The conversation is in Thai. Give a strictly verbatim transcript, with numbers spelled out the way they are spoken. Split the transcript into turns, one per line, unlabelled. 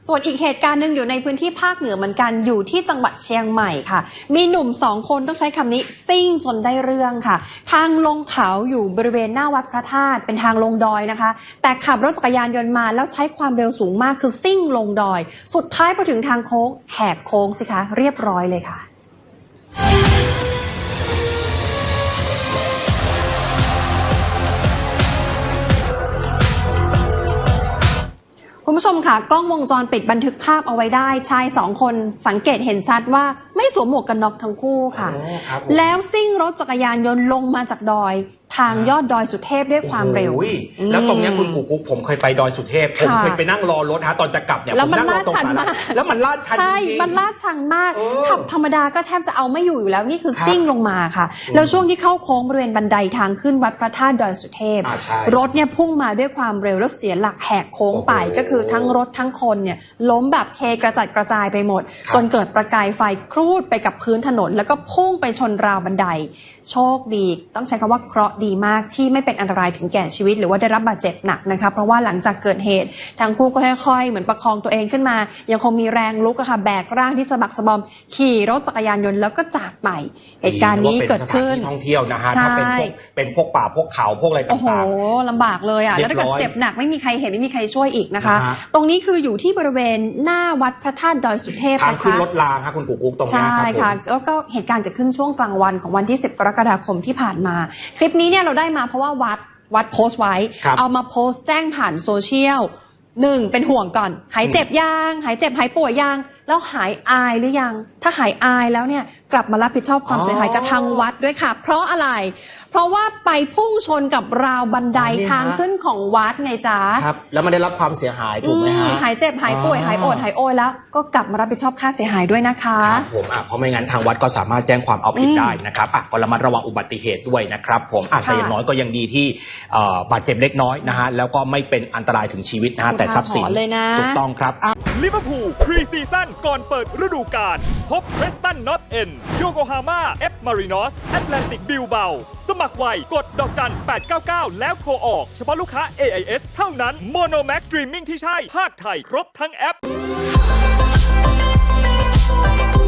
ส่วนอีกเหตุการณ์หนึ่งอยู่ในพื้นที่ภาคเหนือเหมือนกันอยู่ที่จังหวัดเชียงใหม่ค่ะมีหนุ่มสองคนต้องใช้คำนี้ซิ่งจนได้เรื่องค่ะทางลงเขาอยู่บริเวณหน้าวัดพระธาตุเป็นทางลงดอยนะคะแต่ขับรถจักรยานยนต์มาแล้วใช้ความเร็วสูงมากคือซิ่งลงดอยสุดท้ายพอถึงทางโค้งแหกโค้งสิคะเรียบร้อยเลยค่ะคุณผู้ชมค่ะกล้องวงจรปิดบันทึกภาพเอาไว้ได้ชายสองคนสังเกตเห็นชัดว่าไม่สวมหมวกกันน็อกทั้งคู่ค่ะแล้วซิ่งรถจักรยานยนต์ลงมาจากดอยทางยอดดอยสุเทพด้วยความเร็ว
แล้วตรงนี้คุณกูกุ๊กผมเคยไปดอยสุเทพผมเคยไปนั่งรอรถฮะตอนจะกลับเนี่ย
แล้วมันลาดชันมาก
แล้วมันลาดชันจริงใช่
มันลาดชันมากขับธรรมดาก็แทบจะเอาไม่อยู่อยู่แล้วนี่คือซิ่งลงมาค่ะแล้วช่วงที่เข้าโค้งบริเวณบันไดทางขึ้นวัดพระธาตุดอยสุเทพรถเนี่ยพุ่งมาด้วยความเร็วแล้วเสียหลักแหกโค้งไปก็คือทั้งรถทั้งคนเนี่ยล้มแบบเทกระจัดกระจายไปหมดจนเกิดประกายไฟครูดไปกับพื้นถนนแล้วก็พุ่งไปชนราวบันไดโชคดีต้องใช้คำว่าเคราะห์ดีมากที่ไม่เป็นอันตรายถึงแก่ชีวิตหรือว่าได้รับบาดเจ็บหนักนะคะเพราะว่าหลังจากเกิดเหตุทั้งคู่ก็ค่อยๆเหมือนประคองตัวเองขึ้นมายังคงมีแรงลุกอะค่ะแบกร่างที่สะบักสะบอมขี่รถจักรยานยนต์แล้วก็จากไปเหตุการณ์นี้เกิดขึ้น
ท่องเที่ยวนะฮะถ้าเป็นพวกเป็นพวกป่าพวกเขาพวกอะไรต่างๆโอ้โห
ลำบากเลยอ่ะแล้วถ้าเกิดเจ็บหนักไม่มีใครเห็นไม่มีใครช่วยอีกนะคะตรงนี้คืออยู่ที่บริเวณหน้าวัดพระธาตุดอยสุเทพนะคะ
ทางขึ้นรถรางค่ะคุณกูกุ๊กตรงนี้
ใช่ค่ะแล้วก็เหตุการณ์เกิดขึ้นช่วงกลางวันของวันที่สิบกรกฎาคมที่ผ่านมาคลิปนี้เนี่ยเราได้มาเพราะว่าวัดวัดโพสต์ไว้เอามาโพสต์แจ้งผ่านโซเชียลหนึ่งเป็นห่วงก่อนหายเจ็บยังหายเจ็บหายป่วยยังแล้วหายอายหรือยังถ้าหายอายแล้วเนี่ยกลับมารับผิดชอบความเสียหายกับทางวัดด้วยค่ะเพราะอะไรเพราะว่าไปพุ่งชนกับราวบันไดทางขึ้นของวัดไงจ๊ะ
ครับแล้วมันได้รับความเสียหายถูกไหมฮะ
หายเจ็บหายป่วยหายโอดหายโอยแล้วก็กลับมารับผิดชอบค่าเสียหายด้วยนะคะ
ครับผมอ่ะเพราะไม่งั้นทางวัดก็สามารถแจ้งความเอาผิดได้นะครับอ่ะก็ระมัดระวังอุบัติเหตุด้วยนะครับผมอ่ะแต่อย่างน้อยก็ยังดีที่บาดเจ็บเล็กน้อยนะฮะแล้วก็ไม่เป็นอันตรายถึงชีวิตนะฮะแต่ทรัพย์สินถูกต้องครับ
ลิเวอร์พูลพรีซีซั่นก่อนเปิดฤดูกาลพบเพรสตันนอตเอ็นโยโกฮาม่าเอฟมารินอสแอตแลนติกบิลเบาสมัครไวกดดอกจันแปดเก้าเก้าแล้วโทรออกเฉพาะลูกค้า เอ ไอ เอส เท่านั้นโมโนแม็กซ์สตรีมมิ่งที่ใช่ภาคไทยครบทั้งแอป